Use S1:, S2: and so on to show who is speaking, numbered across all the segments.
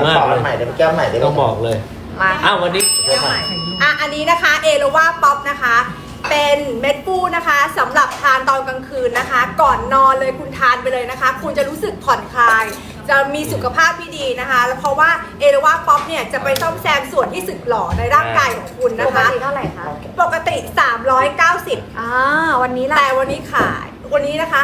S1: มากเลย
S2: ใหม่ได้แก้วใหม่ได้
S1: ต้องบอกเลย
S3: มา
S1: วันนี้
S3: อันนี้นะคะเอโลวาป๊อปนะคะ เป็นเม็ดฟูนะคะสำหรับทานตอนกลางคืนนะคะ ก่อนนอนเลยคุณทานไปเลยนะคะ คุณจะรู้สึกผ่อนคลาย จะมีสุขภาพที่ดีนะคะแล้วเพราะว่าเอโลวาป๊อปเนี่ยจะไปซ่อมแซมส่วนที่สึกหรอในร่างกายของคุณ
S4: ป
S3: นะ
S4: ก
S3: คะ
S4: ติเท่าไหร่คะ
S3: ปกติ 390
S4: วันนี้ล่ะ
S3: แต่วันนี้ขายวันนี้นะคะ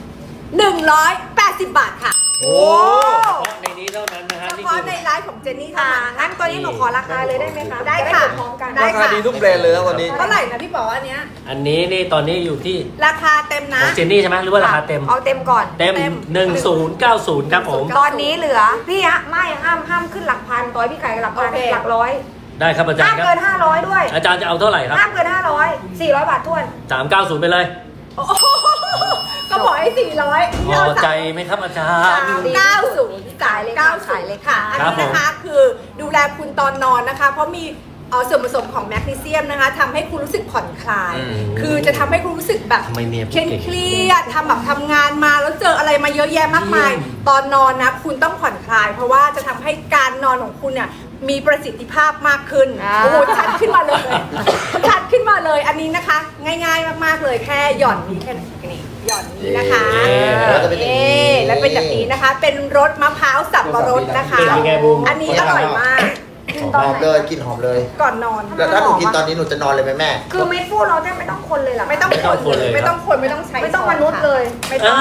S3: 180 บาทค่ะ
S1: โอ้ในนี้เท่านั้นนะฮะ
S3: เฉ
S1: นี่
S3: พาะ
S1: คือ
S3: ในไลฟ์ของเจนนี่เท่า
S4: ค่ะ
S3: นั้น
S4: งั้นตัวนี้หนูขอราคาเลยได้ไหมคะ
S3: ได้ค่ะ
S4: จดูพร้อมกัน
S3: ได้
S2: ราคาดีทุกแบรนด์เลยครับวันนี้
S3: เท่าไหร่นะพี่ป๋ออันเนี้ย
S1: อันนี้นี่ตอนนี้อยู่ที่
S3: ราคาเต็ม
S1: ข
S3: นะ
S1: องเจนนี่ใช่ไหมหรือว่าราคาเต็ม
S4: เอาเต็มก่อน
S1: เต็ม 1090ครับผม
S4: ตอนนี้เหลือพี่ฮะไม่ห้ามขึ้นหลักพันต่อยพี่ไก่หลักพัน
S3: โอเค
S4: หลักร้อย
S1: ได้ครับอาจาร
S4: ห้าม
S1: ย์ครั
S4: เกิ
S1: บ
S4: น500ด้วย
S1: อาจารย์จะเอาเท่าไหร่ครับ
S4: ห้ามเกิน500 400 บาทท้วน
S1: 390ไปเลย
S3: โอ้โหก็บอกให้400
S1: พอใจไหมครับอาจารย์
S3: 390
S4: ขายเลยค่ะขายเลยค่ะ
S3: อันนี้นะคะคือดูแลคุณตอนนอนนะคะ เพราะมีส่วนผสมของแมกนีเซียมนะคะทำให้คุณรู้สึกผ่อนคลาย คือจะทำให้คุณรู้สึกแบบ
S1: ทำไมเนี่ย
S3: เครียดทำแบบทำงานมาแล้วเจออะไรมาเยอะแยะมากมาย ตอนนอนนะคุณต้องผ่อนคลาย เพราะว่าจะทำให้การนอนของคุณเนี่ยมีประสิทธิภาพมากขึ้น โอ้โหชัดขึ้นมาเลยชัดขึ้นมาเลยอันนี้นะคะ ง่ายๆมากๆเลยแค่หย่อนนี้แค่นี้หย่อนนี้นะคะ
S2: แล้วจะเป็นอย่างนี้
S3: แล้วเป็นแบบนี้นะคะ เป็นรสมะพร้าวสับปะรดนะคะ
S1: เป็นยังไงบูม
S3: อันนี้อร่อยมาก
S2: หอมเลยกลินหอมเลย
S3: ก่อนนอน
S2: แล้วถ้าหนูกินตอนนี้หนูจะนอนเลยไหมแม่
S4: คือเม็ดฟูเราแทบไม่ต้องคนเลยเหรอ
S3: ไม่ต้องคนเลยไม่ต้องคนไม่ต้องใช้
S4: ไม่ต้องมนุษย์เลย
S3: ไม่ต้อง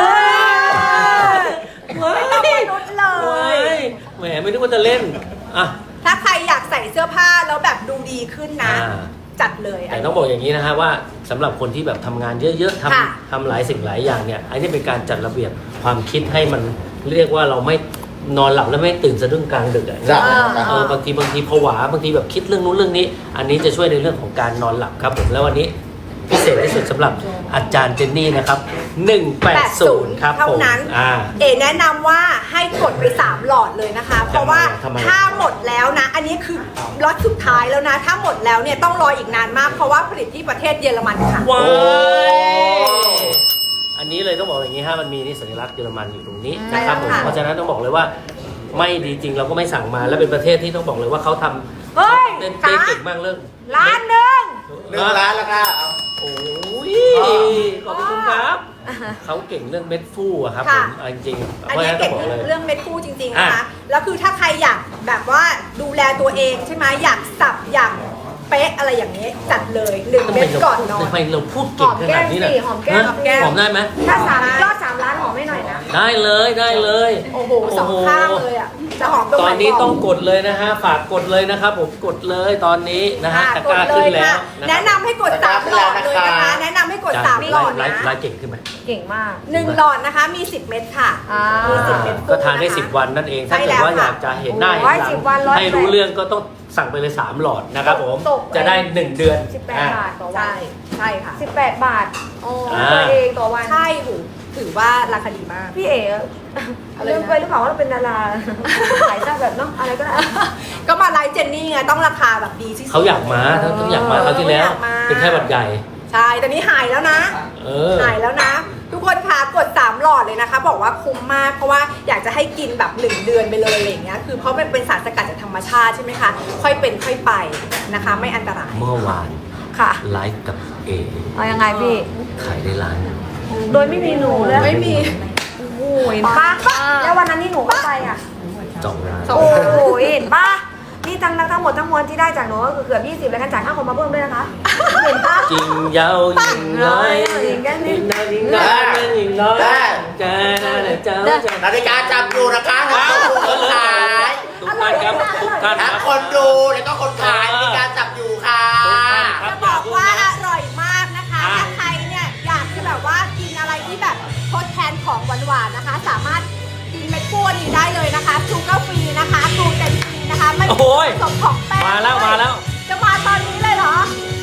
S1: ว้าย
S3: ไม่ต้องมนุษย์เล
S1: ว้าย ยแหมไม่นึกว่าจะเล่นอ่ะ
S3: ถ้าใครอยากใส่เสื้อผ้าแล้วแบบดูดีขึ้นนะ
S1: อ่า
S3: จัดเลย
S1: แต่ต้องบอกอย่างนี้นะฮะว่าสำหรับคนที่แบบทำงานเยอะๆ
S3: ค่ะ
S1: ทำหลายสิ่งหลายอย่างเนี่ยอันนี้เป็นการจัดระเบียบความคิดให้มันเรียกว่าเราไม่นอนหลับแล้วไม่ตื่นสะดุ้งกลางดึกอะ
S2: จ้ะ
S1: บางทีผวาบางทีแบบคิดเรื่องนู้นเรื่องนี้ อันนี้จะช่วยในเรื่องของการนอนหลับครับผมแล้ววันนี้พิเศษที่สุดสำหรับอาจารย์เจนนี่นะครับ180ครับ
S3: เท่า
S1: ผม
S3: นั้น เอแนะนำว่าให้กดไป3หลอดเลยนะคะ เพราะว่า
S1: ทำไม
S3: ถ้าหมดแล้วนะ อันนี้คือล็อตสุดท้ายแล้วนะ ถ้าหมดแล้วเนี่ยต้องรออีกนานมาก เพราะว่าผลิตที่ประเทศเยอรมันค่ะ
S1: ว้ายอันนี้เลยต้องบอกอย่างนี้ฮะมันมีนี่สัญลักษณ์เยอรมันอยู่ตรงนี้นะครับผม
S3: ใช่แล้วค่ะ
S1: เพราะฉะนั้นต้องบอกเลยว่าไม่ดีจริงเราก็ไม่สั่งมาแล้วเป็นประเทศที่ต้องบอกเลยว่าเขาทำ
S4: เฮ้ย
S1: เล่น
S4: ขา
S1: เก่งมากเรื่อง
S4: ล้านหนึ่ง
S2: 1 ล้านแล้วค่ะ
S1: โอ้ยขอบคุณครับเขาเก่งเรื่องเม็ดฟูอะครับผ
S3: ค่ะ
S1: มเอาจริงๆ
S3: อัน
S1: เพราะฉะ
S3: นี้
S1: นั้นต้อ
S3: เก่
S1: ง
S3: ง
S1: บอกเลย
S3: เรื่องเม็ดคู่จริงๆนะคะ
S1: อ่ะ
S3: แล้วคือถ้าใครอยากแบบว่าดูแลตัวเองใช่ไหมอยากสับอยากเป๊ะอะไรอย่างนี้จัดเลย1 เม็ดก่อนนอน
S1: ทำไมเราพูดเก่งขนาดนี้น่ะ
S4: หอมแก้มสิหอมแก้ม
S1: ฮะหอมได้ไหม
S4: ถ้ายอด3 ล้านหอมไม่หน่อยนะ
S1: ได้เลยได้เลย
S3: โอ้โหสองข้างเลยอ่ะจะหอมตรง
S1: ต
S3: ไห
S1: อนนี้
S3: บก
S1: ต้องกดเลยนะฮะฝากกดเลยนะครับผมกดเลยตอนนี้นะฮะตะกร้าขึ้นแล้วนะค
S3: แนะ
S1: รับ
S3: นำให้กด3หลอดเลยนะคะ แนะนำให้กด3หลอด
S1: ไล
S3: นะ
S1: ฟ์ไลฟ์เก่งขึ้นไหม
S4: เก่งมาก
S3: 1 หลอดนะคะมี 10 เม็ดค่ะ
S4: อ่ามี
S3: มี10 เม็ด
S1: ก็ทานได้
S3: นะคะ
S1: 10 วันนั่นเอง ถ้า
S3: ใช่
S1: เกิด
S3: แล้ว
S1: ว่าอ
S3: ค่ะ
S1: ยากจะเห็นหน้าเห็น
S4: โอ้
S1: ห
S4: ย
S1: ลั
S4: 10 วัน100
S1: ให้รู้เรื่องก็ต้องสั่งไปเลย3หลอดนะครับผม
S4: ตกไป
S1: จะได้ 1 เดือน
S4: 18 บาทต่อวั
S3: ใช่
S4: น
S3: ใช่ค่ะ
S4: 18 บาทโอ้
S1: อ่า
S4: ตัวเองต่อวัน
S3: ใช่หูถือว่าราคาดีมาก
S4: พี่เอ๋
S3: อะไรนะ
S4: ลืมไปหรือเปล่าว่าเราเป็นดาราขายหน้าแบบเนาะอะไรก็ได้
S3: ก็มาไลฟ์เจนนี่ไงต้องราคาแบบดีที่สุด
S1: เขาอยากมาต้องอยากมาเขาวที่แล้ว
S3: อยากมา
S1: เป็นแค่บัดใหญ่
S3: ใช่ตอนนี้หายแล้วนะ
S1: เออ
S3: หายแล้วนะ ทุกคนคะกด3หลอดเลยนะคะ บอกว่าคุ้มมากเพราะว่าอยากจะให้กินแบบ1 เดือนไปเลยอะไรอย่างเงี้ยคือเพราะมันเป็นสารสกัดจากธรรมชาติใช่ไหมคะค่อยเป็นค่อยไปนะคะ ไม่อันตราย
S1: เมื่อวาน
S4: ค่ะ
S1: ไลฟ์กับเอ
S4: เอายังไงพี่
S1: ขายได้ล้านหนึ่ง
S4: โดยไม่มีหนูเลย
S3: ไม่มี
S4: โอ้โหเห็นปะแล้ววันนั้นที่หนูก็ไปอ่ะ
S1: 2 ล้าน
S3: สอง
S4: โอ้โหเห็นปะนี่ทั้งหมดทั้งมวลที่ได้จากหนูก็คือเกือบ20แล้วกันจ่ายค่าคอมมาเพิ่มด้วยนะคะ เห็นปะ
S1: จริงยาวยิงน้อย
S4: ยิงกันนิ
S1: ยิ
S4: ด
S1: งน้อยยิงน้อยยิงน้อยจ้าเจ้า
S2: นาฬิกาจับอยู่นะคะทั้งคนขาย
S1: ทุกท่านครับทุกท่านค
S2: ทั้
S1: รั
S2: ง
S1: บ
S2: คนดูแล้วก็คนขายนาฬิกาจับอยู่ค่ะ
S1: ครั
S3: จะบอกว่าอร่อยมากนะคะ ถ้าใครเนี่ยอยากจะแบบว่ากินอะไรที่แบบทดแทนของหวานๆนะคะ สามารถกินเม็ดฟูนี้ได้เลยนะคะชูการ์ฟรีนะคะกลูเตนฟรีนะคะไม่มีผสมของแป้ง
S1: มาแล้วมาแล้ว
S3: จะมาตอนนี้เลยเหรอ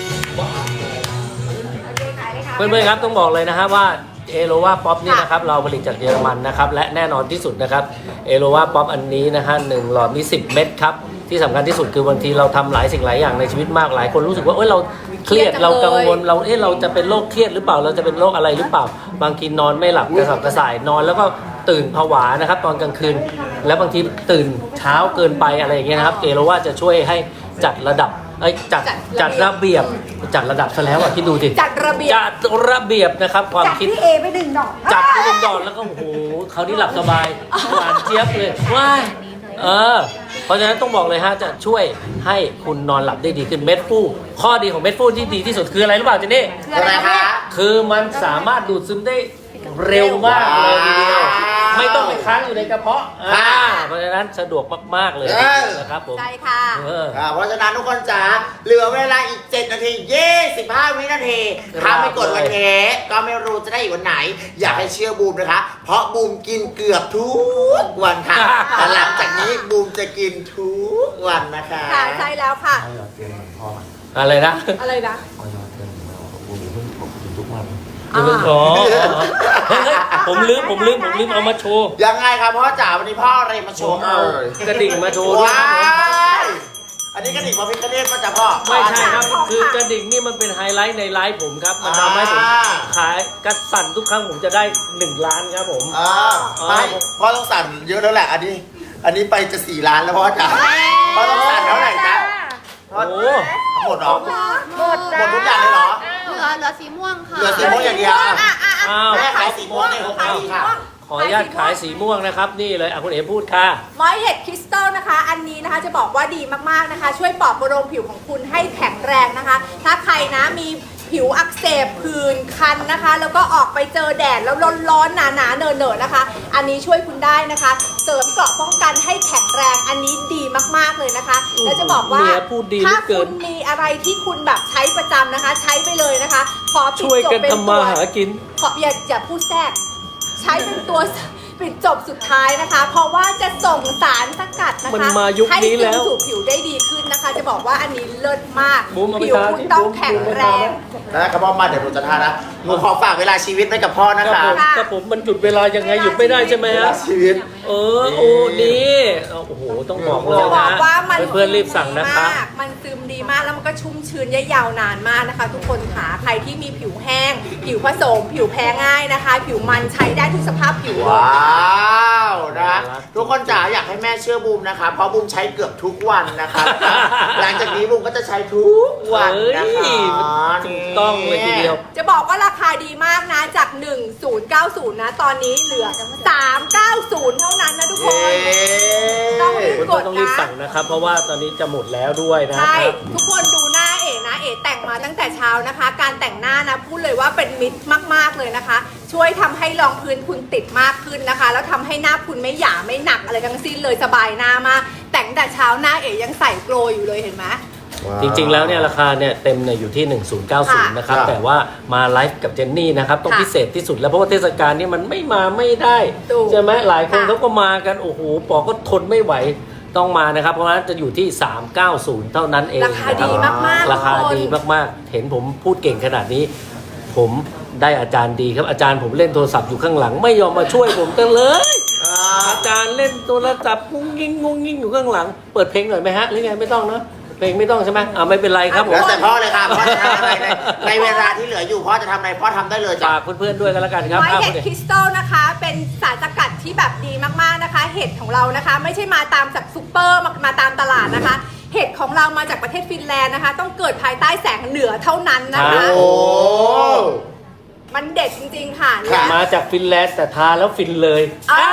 S1: เพื่อนๆครับต้องบอกเลยนะฮะว่าเอโลวาป๊อปนี่นะครับเราผลิตจากเยอรมันนะครับและแน่นอนที่สุดนะครับเอโลวาป๊อปอันนี้นะฮะ1 หลอดมี10 เม็ดครับที่สำคัญที่สุดคือบางทีเราทำหลายสิ่งหลายอย่างในชีวิตมากหลายคนรู้สึกว่าเอ้ยเราเครียดเรากังวลเราเราจะเป็นโรคเครียดหรือเปล่าเราจะเป็นโรคอะไรหรือเปล่า บางทีนอนไม่หลับกระสับกระส่ายนอนแล้วก็ตื่นผวานะครับตอนกลางคืน แล้วบางทีตื่นเช้าเกินไปอะไรอย่างเงี้ยนะครับเอโรว่าจะช่วยให้จัดระดับจัดระเบียบจัดระดับซะแล้วอ่ะคิดดูสิ
S3: จัดระเบียบ
S1: จัดระเบียบนะครับความ
S4: จาก
S1: คิด
S4: พี่เอไปดึงดอก
S1: จัดไปเป็นดอนแล้วก็โอ้โหเขาวนี่หลับสบายหวานเจี๊ยบเลยว้ายเพราะฉะนั้นต้องบอกเลยฮะจะช่วยให้คุณนอนหลับได้ดีขึ้นเม็ดฟูข้อดีของเม็ดฟูที่ดีที่สุดคืออะไรรู้เปล่าเจนนี่
S4: คืออะไรคะ
S1: คือมันสามารถดูดซึมได้เร็วมากเลยทีเดียวไม่ต้องไปค้างอยู่ในกระเพาะเพราะฉะนั้นสะดวกมากๆเลยนะครับผม
S3: ใช่ค่ะ
S2: เพราะฉะนั้นทุกคนจ๋าเหลือเวลาอีก 7 นาที 25 วินาทีถ้าไม่กดวันนี้ก็ไม่รู้จะได้อีกวันไหน อยากให้เชื่อบูมนะคะ เพราะบูมกินเกือบทุกวันค่ะแต่หลังจากนี้บูมจะกินทุกวันนะคะ
S3: ค่ะใช่แล้วค่ะ
S1: อะไรนะ
S3: อะไรนะ
S1: อย่าเพิ่งท้อเฮ้ยผมลืมเอามาโชว์
S2: ยังไงครับพ่อจ๋าวันนี้พ่ออะไรมาโชว์
S1: เอากระดิ่งมาโชว์ด้วย
S2: ว้ายอันนี้กระดิ่งพระพิฆเนศก็จะพ่อ
S1: ไม่ใช่ครับคือกระดิ่งนี่มันเป็นไฮไลท์ในไลฟ์ผมครับมันทำให้ผมขายกระสั่นทุกครั้งผมจะได้1 ล้านครับผม
S2: ไม่พ่อต้องสั่นเยอะแล้วแหละ อันนี้ไปจะ4 ล้านแล้วพ่อจ๋าพ่อต้องสั่นเท่าไหร่จ๊ะ
S1: โอ้โห
S2: หมดเหรอ
S4: หมด
S2: หมดทุกอย่างเลยเหรอ
S5: เหลือสีม่วงค่ะ
S2: เหลือสีม่วงอย่างเดียว
S1: อ้าว
S2: แม่ขายสีม่วงเนี่ยผมขายดีค่ะ
S1: ขออนุญาตขายสีม่วงนะครับนี่เลยคุณเอ๋พูดค่ะ
S3: มอยเห็ดคริสตัลนะคะ อันนี้นะคะจะบอกว่าดีมากๆนะคะ ช่วยปลอบประโลมผิวของคุณให้แข็งแรงนะคะ ถ้าใครนะมีผิวอักเสบผื่นคันนะคะ แล้วก็ออกไปเจอแดดแล้วร้อนๆหนาๆเนอะๆนะคะ อันนี้ช่วยคุณได้นะคะ เสริมเกราะป้องกันให้แข็งแรงอันนี้ดีมากๆเลยนะคะ แล้วจะบอกว่า
S1: เมียพูดดีเหลื
S3: ถ้า
S1: อเกิ
S3: คุ
S1: น
S3: ณมีอะไรที่คุณแบบใช้ประจำนะคะ ใช้ไปเลยนะคะขอปิด
S1: ช่วย
S3: จบ
S1: กัน
S3: เป็น
S1: ทำมาหากิน
S3: ขออย่าพูดแทรกใช้เป็นตัวปิดจบสุดท้ายนะคะ เพราะว่าจะส่งสารสกัดนะคะ
S1: มันมายุคนี้แล้ว
S3: ให้ซึมสู่ผิวได้ดีขึ้นนะคะ จะบอกว่าอันนี้เลิศมาก
S1: บูมเอาไป
S3: ผิว
S1: ทา
S3: คุณ
S1: ที่
S3: ต้อง
S1: บูม
S3: แข็งแรง
S2: นะครับพ่อมาเดี๋ยวหนูจะทานนะหนูขอฝากเวลาชีวิตไว้กับพ่อนะ
S1: ครั
S2: คะ
S1: บผมครับผมมันหยุดเวลายังไงหยุดไม่ได้ใช่ไหม
S2: เว
S1: ฮะ
S2: ลาชีวิต
S1: โอ้นี่โอ้โหต้องบอกเลย
S3: จะบอ
S1: นะ
S3: กว่ามัน
S1: เพื่อนๆรีบสั่งนะคะ
S3: มากมันซึมดีมากแล้วมันก็ชุ่มชื้นยาวนานมากนะคะ ทุกคนค่ะใครที่มีผิวแห้ง ผิวผสม ผิวแพ้ง่ายนะคะ ผิวมันใช้ได้ทุกสภาพผิวเลย
S2: ว้าวนะทุกคนจ๋าอยากให้แม่เชื่อบูมนะคะ เพราะบูมใช้เกือบทุกวันนะคะ หลังจากนี้บูมก็จะใช้ทุกวันนะคะ
S1: ถูกต้องเลยทีเดียว
S3: จะบอกว่าราคาดีมากนะจาก 1090 นะ ตอนนี้เหลือ 390 เท่านั้นนะทุกคน ต้องรีบ
S1: เพื่อนๆต้องรีบสั่งนะครับ เพราะว่าตอนนี้จะหมดแล้วด้วยนะค
S3: ใช่
S1: รับ
S3: ทุกคนดูหน้าเอ๋นะ เอ๋แต่งมาตั้งแต่เช้านะคะ การแต่งหน้านะพูดเลยว่าเป็นมิตรมากๆเลยนะคะ ช่วยทำให้รองพื้นคุณติดมากขึ้นนะคะ แล้วทำให้หน้าคุณไม่หยาไม่หนักอะไรทั้งสิ้นเลยสบายหน้ามากแต่งแต่เช้าหน้าเอ๋ยังใส่โกลอยู่เลยเห็นไหม
S1: จริงๆแล้วเนี่ยราคาเนี่ยเต็มเนี่ยอยู่ที่ 1090 นะครับ
S2: ค่ะ
S1: แต่ว่ามาไลฟ์กับเจนนี่นะครับต้อง
S3: ค่ะ
S1: พิเศษที่สุดแล้วเพราะว่าเทศกาลนี้มันไม่มาไม่ได้
S3: ถูก
S1: ใช่ไหมหลายคน
S3: ค่ะ
S1: เขาก็มากันโอ้โหปอก็ทนไม่ไหวต้องมานะครับ เพราะฉะนั้นจะอยู่ที่ 390 เท่านั้นเอง
S3: ราคาดีมากๆ
S1: ราคา
S3: ทุกน
S1: ดีมากๆ เห็นผมพูดเก่งขนาดนี้ ผมได้อาจารย์ดีครับอาจารย์ผมเล่นโทรศัพท์อยู่ข้างหลัง ไม่ยอมมาช่วยผมกันเลย อาจารย์เล่นโทรศัพท์งุ้งงิ้งงุ้งงิ้งอยู่ข้างหลัง เปิดเพลงหน่อยไหมฮะหรือไงไม่ต้องเนอะเพลงไม่ต้องใช่ไหมไม่เป็นไรครับผม
S2: แล้วแต่พ่อเลยค่ะพ่อจะทำอะไรในเวลาที่เหลืออยู่พ่อจะทำอะไรพ่อทำได้เลยจ้ะ
S1: ฝากเพื่อนๆด้วยกันแล้วกันครับ
S3: ไม้เห็ด
S1: คุณ
S3: คริสตัลนะคะ เป็นสารสกัดที่แบบดีมากๆนะคะ เห็ดของเรานะคะ ไม่ใช่มาตามจากซูเปอร์มาตามตลาดนะคะ เห็ดของเรามาจากประเทศฟินแลนด์นะคะ ต้องเกิดภายใต้แสงเหนือเท่านั้นนะคะ
S2: โอ้
S3: มันเด็ดจริงๆค่ะ
S2: ค่ะ
S1: มาจากฟินแลนด์แต่ทาแล้วฟินเลย
S3: อ่า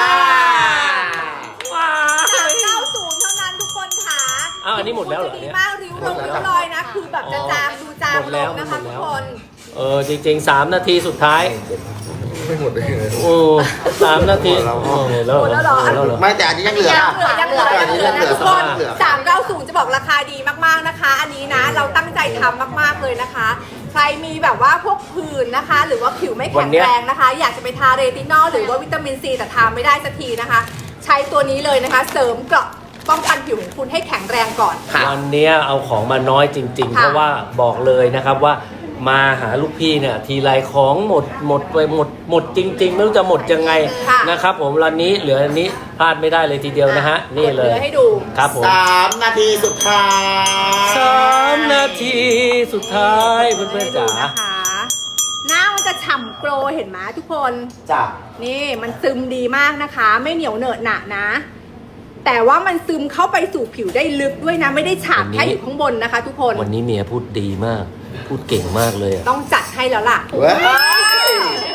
S1: ว้า
S3: 390 เท่านั้นทุกคนค่ะ
S1: อ้าวอันนี้หมดแล้วเหรอ
S3: จะ
S1: เนี่
S3: ดี
S1: ย
S3: มากริ้วลงริ้วรอยนะ คือแบบจะจางดูจาง
S1: หมด
S3: ล
S1: แล้ว
S3: งนะคะ
S1: หมด
S3: ทุ
S1: แล้
S3: ก
S1: ว
S3: คน
S1: จริงๆ3 นาทีสุดท้าย
S6: ไม่หมดเลย
S1: โอ้3 นาทีแล้ว
S3: หมดแล้วเหรอ
S1: แล้วเหรอ
S2: ไม่แต่อันนี้ยังเหลือ
S3: ยังเหลือนะทุกคน
S2: เหลือ
S3: 390 จะบอกราคาดีมากๆนะคะ อันนี้นะเราตั้งใจทำมากๆเลยนะคะ ใครมีแบบว่าพวกผื่นนะคะ หรือว่าผิวไม่แข็งแรงนะคะ อยากจะไปทาเรตินอลหรือว่าวิตามินซีแต่ทาไม่ได้สักทีนะคะ ใช้ตัวนี้เลยนะคะ เสริมเกราะป้องกันผิวของคุณให้แข็งแรงก่อน
S2: ค่ะ
S1: วันเนี้ยเอาของมาน้อยจริง ๆ
S3: ค่ะ
S1: เพราะว่าบอกเลยนะครับว่ามาหาลูกพี่เนี่ยทีไรของหมดไปหมดจริง ๆ ไม่รู้จะหมดยังไง
S3: ค่ะ
S1: นะครับผมวันนี้เหลืออันนี้พลาดไม่ได้เลยทีเดียวนะฮะนี่เลย
S3: กดให้ดู
S1: ครับผม
S2: 3 นาทีสุดท้าย
S1: 3 นาทีสุดท้ายเพื่อนๆจ๋า
S3: ให้ดูนะคะหน้ามันจะฉฉ่ำโกลเห็นไหมทุกคน
S2: จ้ะ
S3: นี่มันซึมดีมากนะคะ ไม่เหนียวเหนอะหนะนะ แต่ว่ามันซึมเข้าไปสู่ผิวได้ลึกด้วยนะ ไม่ได้ฉาบแค่อยู่ข้างบนนะคะ ทุกคน
S1: วันนี้เมียพูดดีมาก พูดเก่งมากเลยอะ
S3: ต้องจัดให้แล้วล่ะ
S2: เว้ย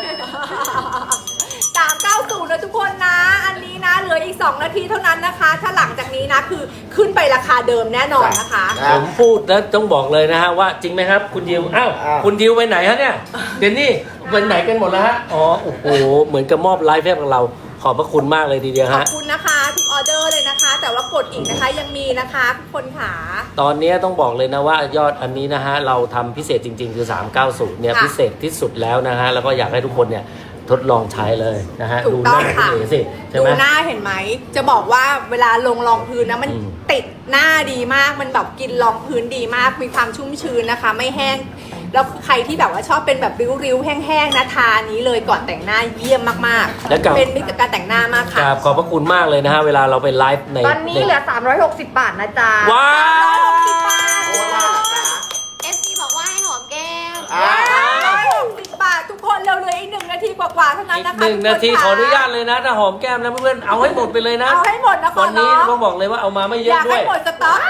S3: 390นะทุกคนนะ อันนี้นะเหลืออีก 2 นาทีเท่านั้นนะคะ ถ้าหลังจากนี้นะคือขึ้นไปราคาเดิมแน่นอนนะคะ
S1: ผมพูดแล้วต้องบอกเลยนะฮะว่าจริงไหมครับ คุณยิวอ้าวคุณยิวไปไหนฮะเนี่ยเดี๋ยวนี่ไปไหนกันหมดแล้วฮะอ๋อโอ้โหเหมือนกับมอบไลฟ์ให้กับเราขอบพระคุณมากเลยทีเดียว
S3: ขอ
S1: ฮะ
S3: บคุณนะคะทุกออเดอร์เลยนะคะ แต่ว่ากดอีกนะคะยังมีนะคะทุกคนค่ะ
S1: ตอนนี้ต้องบอกเลยนะว่ายอดอันนี้นะฮะเราทำพิเศษจริงๆ คือ 390เนี่ย
S3: ค่ะ
S1: พิเศษที่สุดแล้วนะฮะแล้วก็อยากให้ทุกคนเนี่ยทดลองใช้เลยนะฮะ
S3: ถู
S1: ดู
S3: ก
S1: ห
S3: ต้อง
S1: น้า
S3: ค่ะ
S1: คุณเอ๋สิใช่
S3: ดู
S1: ไหม
S3: หน้าเห็นไหม จะบอกว่าเวลาลงรองพื้นนะมัน
S1: อืม
S3: ติดหน้าดีมาก มันแบบกินรองพื้นดีมาก มีความชุ่มชื้นนะคะ ไม่แห้ง แล้วใครที่แบบว่าชอบเป็นแบบริ้วๆ แห้งๆ นะทานี้เลยก่อนแต่งหน้าเยี่ยมมาก
S1: แล้วกับ
S3: ๆ เป็นมิตรกับการแต่งหน้ามาก
S1: ค
S3: ค่ะ
S1: รับขอบพระคุณมากเลยนะฮะเวลาเราไปไลฟ์ใน
S4: ตอนนี้เหลือ 360 บาทนะจ๊ะ
S1: ว้าว
S3: 160 บาท
S2: โอ้น่ารักนะ
S5: FC บอกว่าให้หอมแก้ม
S2: อ่า
S3: 160 บาททุกคนเร็วๆอีก1 นาทีกว่าๆเท่านั้น
S1: อีก
S3: นะคะ
S1: หนึ่ง
S3: ทุกค
S1: นาที
S3: ค่ะ
S1: ขออนุญาตเลยนะถ้าหอมแก้มนะเพื่อนๆเอาให้หมดไปเลยนะ
S3: เอาให้หมดนะคะ
S1: วันนี้
S3: เนาะ
S1: ต้องบอกเลยว่าเอามาไม่เย
S3: อ
S1: อะ
S3: ยาก
S1: ด้ว
S3: ให้
S1: ย
S3: หมดสต็อก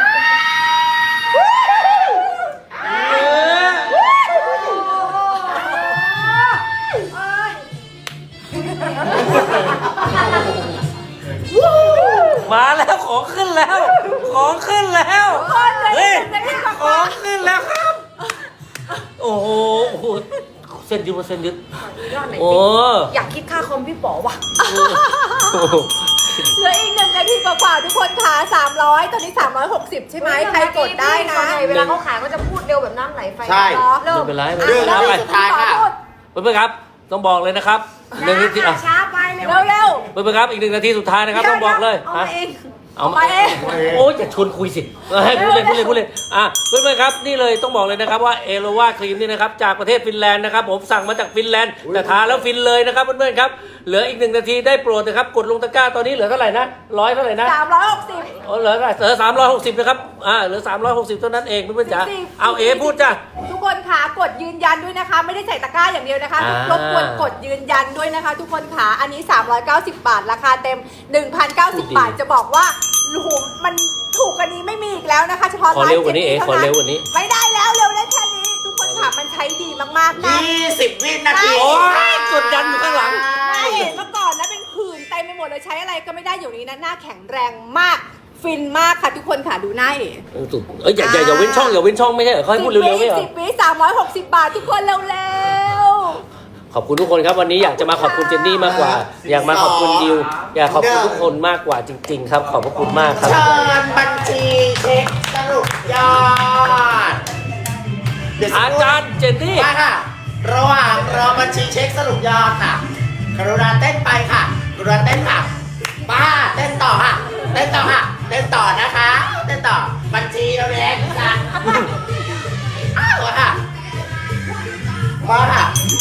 S1: มาแล้วของขึ้นแล้วของขึ้นแล้ว
S3: ทุกคนเลย
S1: เฮ้ย
S3: 1 นาทีก
S1: ข
S3: ว่า
S1: องขึ้นแล้วครับ โอ้โหโอ้โหเส้นยึดมาเส้นยึด
S4: ยอดไหน
S1: โอ้
S4: อยากคิดค่าคอมพี่ป๋อว่ะ
S1: โห
S3: ๆเหลืออีก1 นาทีกว่าๆทุกคนค่ะ300ตอนนี้360ใช่ไหมใครกดได้นะ
S4: ส่วนใหญ่เวลาเขาขายก็จะพูดเร็วแบบน้ำไหลไฟ
S2: ใช่
S4: เริ่ม
S1: ไม่เป็นไรไม่
S2: เรื่
S1: เป็
S2: อน ง
S1: ไร
S2: นาทีสุดท้ายค่ะ
S1: เพื่อนๆครับต้องบอกเลยนะครับหนึ่งนาทีอ่ะ
S4: ช้าไปเร็ว
S3: เร็ว
S1: เพื่อนๆครับอีก1 นาทีสุดท้ายนะครับ
S3: ๆ
S1: ต้องบอกเลย
S3: เอามาเอง
S1: เอามา
S3: เอามาเอง
S1: โอ้ยอย่าชวนคุยสิให้พูดเลยพูดเลยพูดเลยอ่ะเพื่อนๆครับนี่เลยต้องบอกเลยนะครับว่าเอโลวาครีมนี่นะครับจากประเทศฟินแลนด์นะครับผมสั่งมาจากฟินแลนด์แต่ทาแล้วฟินเลยนะครับเพื่อนๆครับเหลืออีก1 นาทีได้โปรดนะครับกดลงตะกร้าตอนนี้เหลือเท่าไหร่นะ100เท่าไหร่นะ
S3: 360
S1: อ๋อเหลือ360นะครับเหลือ360เท่านั้นเองเพื่อนๆจ๋า
S3: จริงๆ
S1: เอาเอพูดจ้ะ
S3: ทุกคนค่ะกดยืนยันด้วยนะคะ ไม่ได้ใส่ตะกร้าอย่างเดียวนะคะ
S1: อ่าร
S3: บกวนกดยืนยันด้วยนะคะ ทุกคนค่ะอันนี้390 บาทราคาเต็ม 1,090 บาทจะบอกว่าโอ้โหมันถูกกว่านี้ไม่มีอีกแล้วนะคะ เฉพาะ
S1: ขอเร็วกว่านี้เอ๋
S3: ท่
S1: ขอเร็วกว่านี้
S3: ไม่ได้แล้วเร็วได้แค่นี้ ทุกคนค่ะมันใช้ดีมากๆนะ
S2: 20 วินาที
S1: โอ้ยกดดันอยู่ข้างหลัง
S3: ไม่เห็นเมื่อก่อนนะเป็นผื่นเต็มไปหมดเลยใช้อะไรก็ไม่ได้อยู่นี้นะหน้าแข็งแรงมากฟินมากค่ะทุกคนค่ะดูหน้าเอ๋
S1: อย่าเว้นช่องอย่าเว้นช่องไม่ใช่เหรอเขาให้พูดเร็วๆไม่เหรอ
S3: 10 วิ360 บาททุกคนเร็วๆ
S1: ขอบคุณทุกคนครับวันนี้อยากจะมาขอบคุณเจนนี่มากกว่า อยากมาขอบคุณดิวอยากขอบคุณทุกคนมากกว่าจริง ๆ ครับ ขอบพระคุณมากครับ
S2: เชิญบัญชีเช็คสรุปยอดเดี๋ยวสัก
S1: อา
S2: ครู่
S1: จารย์เจนนี่
S2: มาค่ะ ระหว่างรอบัญชีเช็คสรุปยอดค่ะกรุณาเต้นไปค่ะกรุณาเต้นค่ะป้าเต้นต่อค่ะ เต้นต่อค่ะ เต้นต่อนะคะ เต้นต่อ บัญชีเราแดงค่ะอ้าวค่ะ มาค่ะ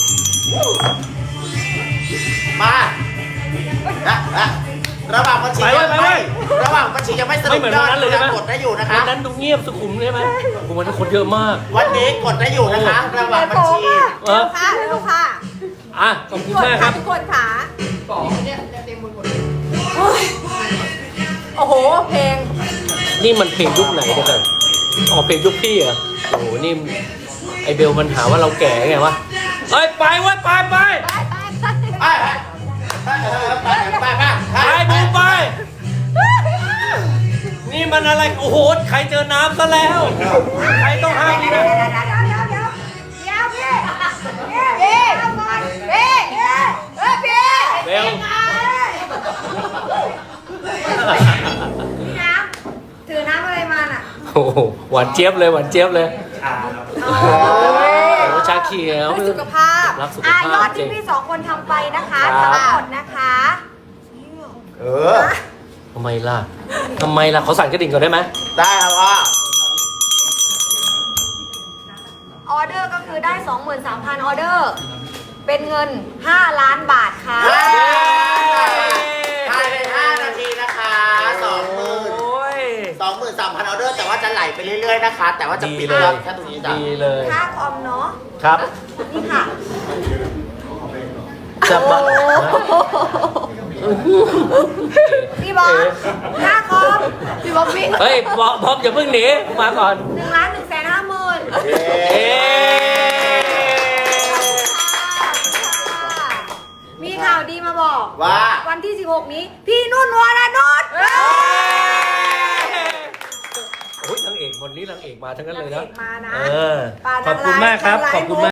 S2: มาระหว่างบัญชียัง
S1: ไป
S2: ไม่
S1: ไว้
S2: ระหว่างบัญชียังไม่สรุ
S1: ไม่
S2: ป
S1: เหมือน
S2: ยอ
S1: วั
S2: ด
S1: นนั้นเลยใช่ไหม
S2: กดได้อยู่นะคะ
S1: วันนั้นดูเงียบสุขุมใช่ไหมวันนั้นคนเยอะมาก
S2: วันนี้กดได้อยู่นะคะ ระหว่างบัญชี
S1: เออ
S3: ค่ะเร็วค่ะ
S1: อ่ะขอบคุณ
S3: กด
S1: มากค
S3: ค่ะ
S1: รับ
S3: ทุกคนค่ะโอ้โหเพลง
S1: นี่มันเพลงยุคไหนเนี่ยกันอ๋อเพลงยุคพี่เหรอโอ้โหนี่ไอเบลมันหาว่าเราแก่ไงวะเฮ้ยไปเว้ยไป
S2: ไปไป
S1: ไปบูมไป นี่มันอะไรโอ้โหใครเจอน้ำซะแล้วใครต้องห้ามนี่นะ เบล
S4: ถือน้ำอะไรมาน่ะ
S1: โอ้โหหวานเจี๊ยบเลยหวานเจี๊ยบเลยโอ้โหชาเขียว
S3: เพื่อสุขภาพ
S1: รักสุข
S4: ย
S1: ภา
S4: อ
S1: พ
S4: ด
S1: จริ
S4: ที่
S1: ง
S4: พี่2 คนทำไปนะคะ
S1: ครับ
S4: ทั้งหมดนะคะ
S2: เออ
S1: ทำไมล่ะเขาสั่นกระดิ่งก่อนได้ไหม
S2: ได้ครับพ่อ
S4: ออเดอร์ก็คือได้ 23,000 ออเดอร์ เป็นเงิน 5 ล้านบาทค่ะ
S2: ภายใน5 นาทีนะคะ
S1: โ
S2: 20,000
S1: อ้ย
S2: 23,000 ออเดอร์ แต่ว่าจะไหลไปเรื่อยๆนะคะ แต่ว่าจะปิดยอดแค่ตรงนี้จ้ะ
S1: ดีเลย
S4: ค่าคอมเนาะ
S1: ครับ
S4: นี่ค่ะ
S1: จะมา
S4: พี่บอสหน้าคอม
S5: พี่บ๊อบบี้
S1: เฮ้ยบ๊อบอย่าเพิ่งหนีมาก่อน
S4: 1,150,000
S2: เย้
S1: เอ๊ะ
S4: มีข่าวดีมาบอก
S2: ว่า
S4: วันที่ 16 นี้ พี่นุ่นวรนุช
S1: โอ้ยนางเอกวันนี้นางเอกมาทั้งนั้นเลยนะ
S3: นางเอกมานะ
S1: เออ
S3: ป่า
S1: ขอบคุณ
S3: นางร้าย
S1: มากครับ
S3: นางร้าย
S1: ขอบคุณ
S3: มุก
S1: มาก